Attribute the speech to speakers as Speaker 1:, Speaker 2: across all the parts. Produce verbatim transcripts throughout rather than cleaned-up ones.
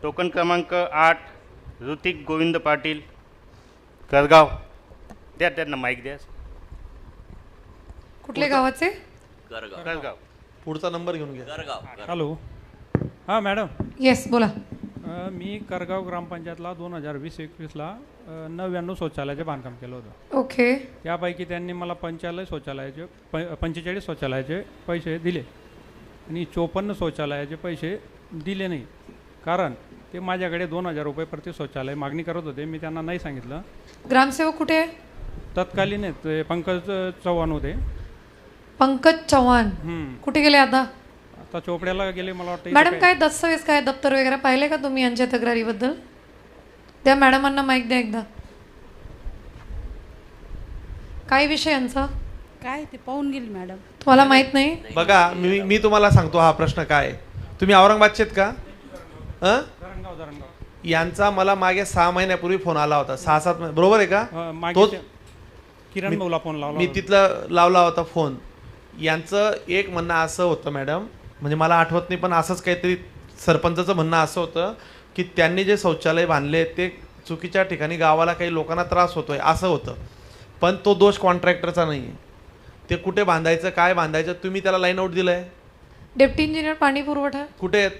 Speaker 1: Token क्रमांक आठ ऋतिक गोविंद पाटील करगाव. द्या त्यांना माईक द्या.
Speaker 2: कुठल्या गावाचे?
Speaker 3: करगाव.
Speaker 1: करगाव.
Speaker 4: पुढचा नंबर घेऊन घ्या.
Speaker 3: करगाव.
Speaker 5: हॅलो. हां मॅडम.
Speaker 2: येस बोला.
Speaker 5: अ, मी करगाव ग्रामपंचायतला दोन हजार वीस एकवीसला नव्याण्णव शौचालयाचे बांधकाम केलं होतं.
Speaker 2: ओके.
Speaker 5: यापैकी त्यांनी मला पंचालय शौचालयाचे प पंचेचाळीस शौचालयाचे पैसे दिले आणि चोपन्न शौचालयाचे पैसे दिले नाही. कारण ते माझ्याकडे दोन हजार रुपये प्रति शौचालय मागणी करत होते. मी त्यांना नाही सांगितलं.
Speaker 2: ग्रामसेवक कुठे आहे?
Speaker 5: तत्कालीन आहेत, ते पंकज चव्हाण होते.
Speaker 2: पंकज चव्हाण
Speaker 5: हम्म.
Speaker 2: कुठे गेले आता?
Speaker 5: आता चोपड्याला गेले मला वाटतं.
Speaker 2: मॅडम काय दस्तावेज काय दप्तर वगैरे पाहिले का तुम्ही यांच्या तक्रारीबद्दल? त्या मॅडमांना माईक द्या एकदा. काय विषय यांचा?
Speaker 6: काय ते पाहून गेली मॅडम.
Speaker 2: तुम्हाला माहित नाही?
Speaker 4: बघा मी मी तुम्हाला सांगतो हा प्रश्न काय आहे. तुम्ही औरंगाबादचे आहेत का? अं?
Speaker 5: धरणगाव धरणगाव.
Speaker 4: यांचा मला मागे सहा महिन्यापूर्वी फोन आला होता. सहा सात महिने बरोबर आहे का?
Speaker 5: अ, मागे
Speaker 4: तोच-
Speaker 5: ते- किरण भाऊला फोन लावला
Speaker 4: मी
Speaker 5: होता.
Speaker 4: तिथला लावला होता फोन. यांचं एक म्हणणं असं होतं मॅडम, म्हणजे मला आठवत नाही पण असंच काहीतरी सरपंचाचं म्हणणं असं होतं की त्यांनी जे शौचालय बांधले ते चुकीच्या ठिकाणी गावाला काही लोकांना त्रास होतोय असं होतं. पण तो दोष कॉन्ट्रॅक्टरचा नाही आहे. ते कुठे बांधायचं काय बांधायचं तुम्ही त्याला लाईन आउट दिलंय.
Speaker 2: डेप्टी इंजिनियर पाणी पुरवठा
Speaker 4: कुठे आहेत?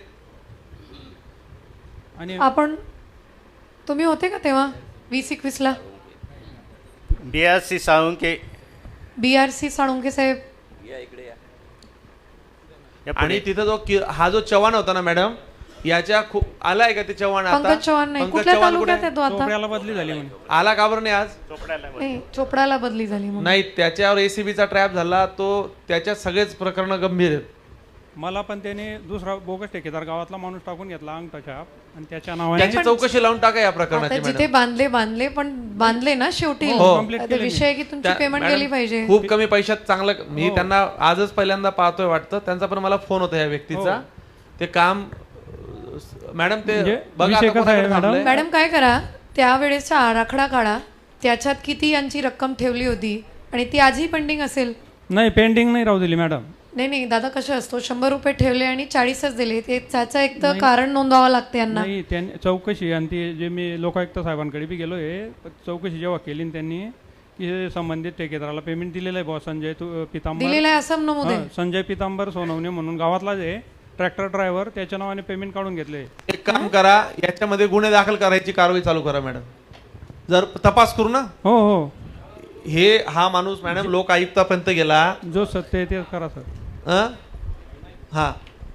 Speaker 5: आणि
Speaker 2: आपण तुम्ही होते का तेव्हा वीस एकवीसला?
Speaker 1: B R C Salunke.
Speaker 2: B R C Salunke साहेब.
Speaker 3: या इकडे या.
Speaker 1: या पुढे.
Speaker 4: आणि तिथं जो कि- हा जो चव्हाण होता ना मॅडम, याच्या खूप आलाय का ते चव्हाण आता?
Speaker 2: पंकज चव्हाण नाही.
Speaker 4: पंकज
Speaker 2: कुठल्या
Speaker 4: चव्हाण कुठे
Speaker 2: तालुक्यात
Speaker 4: आहे?
Speaker 2: आहे तो आता?
Speaker 5: चोपड्याला बदली झाली म्हणे.
Speaker 4: आला का बरं नाही आज?
Speaker 1: चोपड्याला बघ.
Speaker 2: नाही चोपडाला बदली झाली म्हणून.
Speaker 4: नाही, त्याच्यावर एसीबीचा ट्रॅप झाला तो. त्याच्यात सगळेच प्रकरण गंभीर आहेत.
Speaker 5: मला पण त्याने दुसरा बोगस ठेकेदार गावातला माणूस टाकून घेतला अंगठा छाप आणि त्याच्या नावाने
Speaker 4: त्याची चौकशी लावून टाका या
Speaker 2: आता
Speaker 4: प्रकरणाची
Speaker 2: जिथे
Speaker 4: मॅडम.
Speaker 2: बांधले बांधले पण बांधले ना शेवटी.
Speaker 4: हो.
Speaker 5: Complete
Speaker 2: आता
Speaker 5: केलं
Speaker 2: विषय आहे की तुमची
Speaker 4: त्या-
Speaker 2: पेमेंट
Speaker 4: मॅडम,
Speaker 2: गेली पाहिजे.
Speaker 4: खूप कमी पैशात चांगलं. मी
Speaker 5: हो.
Speaker 4: त्यांना आजच पहिल्यांदा पाहतोय वाटतं. त्यांचा पण मला फोन होता या व्यक्तीचा.
Speaker 5: हो.
Speaker 4: ते काम मॅडम ते
Speaker 5: म्हणजे
Speaker 4: बघा
Speaker 5: विषय
Speaker 4: आता
Speaker 5: कसा आहे,
Speaker 4: कोणाकडे
Speaker 5: मॅडम?
Speaker 4: थांबलंय?
Speaker 2: मॅडम काय करा, त्यावेळेचा आराखडा काढा. त्याच्यात किती यांची रक्कम ठेवली होती आणि ती आजही पेंडिंग असेल.
Speaker 5: नाही पेंडिंग नाही राहू दिली मॅडम.
Speaker 2: नाही नाही दादा कसं असतो, शंभर रुपये ठेवले आणि चाळीसच दिले, ते त्याचं एक तर कारण नोंदवावं लागतं यांना.
Speaker 5: नाही त्यांनी चौकशी आणि ती जे मी लोकायुक्त साहेबांकडे बी गेलो आहे. चौकशी जेव्हा केली न त्यांनी की हे संबंधित ठेकेदाराला पेमेंट दिलेलं आहे बुवा संजय तू पितांबर.
Speaker 2: दिलेलं आहे असं नमूद
Speaker 5: हां,
Speaker 2: आहे.
Speaker 5: संजय पितांबर सोनवणे म्हणून गावातला जे ट्रॅक्टर ड्रायव्हर त्याच्या नावाने पेमेंट काढून घेतले.
Speaker 4: एक काम करा, याच्यामध्ये गुन्हे दाखल करायची कारवाई चालू करा मॅडम. जर तपास करू ना.
Speaker 5: हो हो
Speaker 4: हे हा माणूस मॅडम लोक आयुक्तापर्यंत गेला.
Speaker 5: जो सत्य आहे ते करा सर.
Speaker 4: अं? हा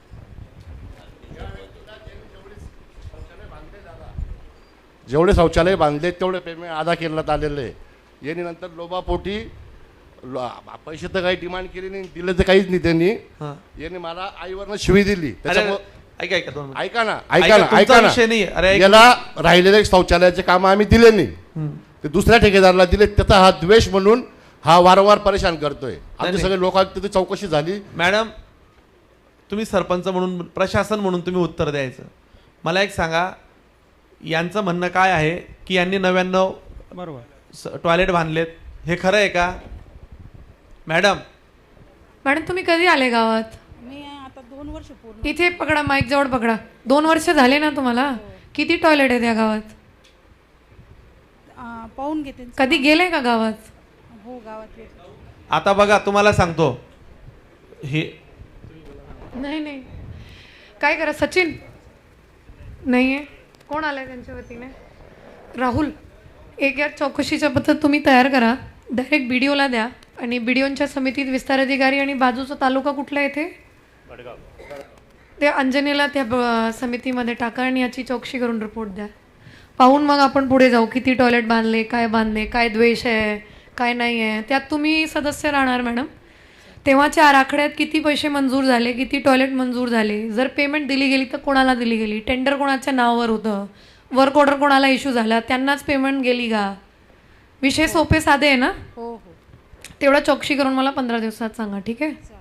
Speaker 7: जेवढे शौचालय बांधले तेवढे पेमेंट अदा करण्यात आलेलं आहे. यांनी नंतर लोबापोटी लो- पैसे तर काही डिमांड केली नाही, दिले तर काहीच नाही त्यांनी.
Speaker 4: हा.
Speaker 7: यांनी मला आईवरनं शिवी दिली.
Speaker 4: अरे
Speaker 7: त्याच्यामुळं
Speaker 4: ऐका ऐका दोन मिनिटं.
Speaker 7: ऐका ना
Speaker 4: ऐका,
Speaker 7: ऐका ना
Speaker 4: तुमचा
Speaker 7: ऐका ना
Speaker 4: विषय नाही. अरे ऐक.
Speaker 7: याला राहिलेले शौचालयाचे काम आम्ही दिले नाही, ते दुसऱ्या ठेकेदाराला दिले. त्याचा हा द्वेष म्हणून हा वारंवार परेशान करतोय. आमचे
Speaker 4: नाही.
Speaker 7: सगळे लोकांची चौकशी झाली.
Speaker 4: मॅडम तुम्ही सरपंच म्हणून प्रशासन म्हणून तुम्ही उत्तर द्यायचं. मला एक सांगा, यांचं म्हणणं काय आहे की यांनी नव्याण्णव
Speaker 5: बरोबर
Speaker 4: टॉयलेट बांधलेत, हे खरं आहे का मॅडम?
Speaker 2: मॅडम तुम्ही कधी आले गावात?
Speaker 6: मी आता दोन वर्ष पूर्ण.
Speaker 2: इथे पकडा, माईक जवळ पकडा. दोन वर्ष झाले ना तुम्हाला? किती टॉयलेट आहेत या गावात?
Speaker 6: आ, पाहून घेते.
Speaker 2: कधी गेले का गावात?
Speaker 6: हो गावात.
Speaker 4: आता बघा तुम्हाला सांगतो, हे
Speaker 2: नाही नाही काय करा, सचिन नाही आहे, कोण आलंय त्यांच्या वतीने? राहुल, एक या चौकशीच्या पद्धत तुम्ही तयार करा, डायरेक्ट बी डी ओला द्या आणि बी डी ओच्या समितीत विस्तार अधिकारी आणि बाजूचा तालुका कुठला येथे त्या अंजनेला त्या ब- समितीमध्ये टाका आणि याची चौकशी करून रिपोर्ट द्या. पाहून मग आपण पुढे जाऊ, किती टॉयलेट बांधले, काय बांधले, काय द्वेष आहे, काय नाही आहे. त्यात तुम्ही सदस्य राहणार मॅडम. तेव्हाच्या आराखड्यात किती पैसे मंजूर झाले, किती टॉयलेट मंजूर झाले, जर पेमेंट दिली गेली तर कोणाला दिली गेली, टेंडर कोणाच्या नावावर होतं, वर्क ऑर्डर कोणाला इश्यू झाला, त्यांनाच पेमेंट गेली का? विषय सोपे साधे आहे ना.
Speaker 6: हो हो
Speaker 2: तेवढा चौकशी करून मला पंधरा दिवसात सांगा, ठीक आहे?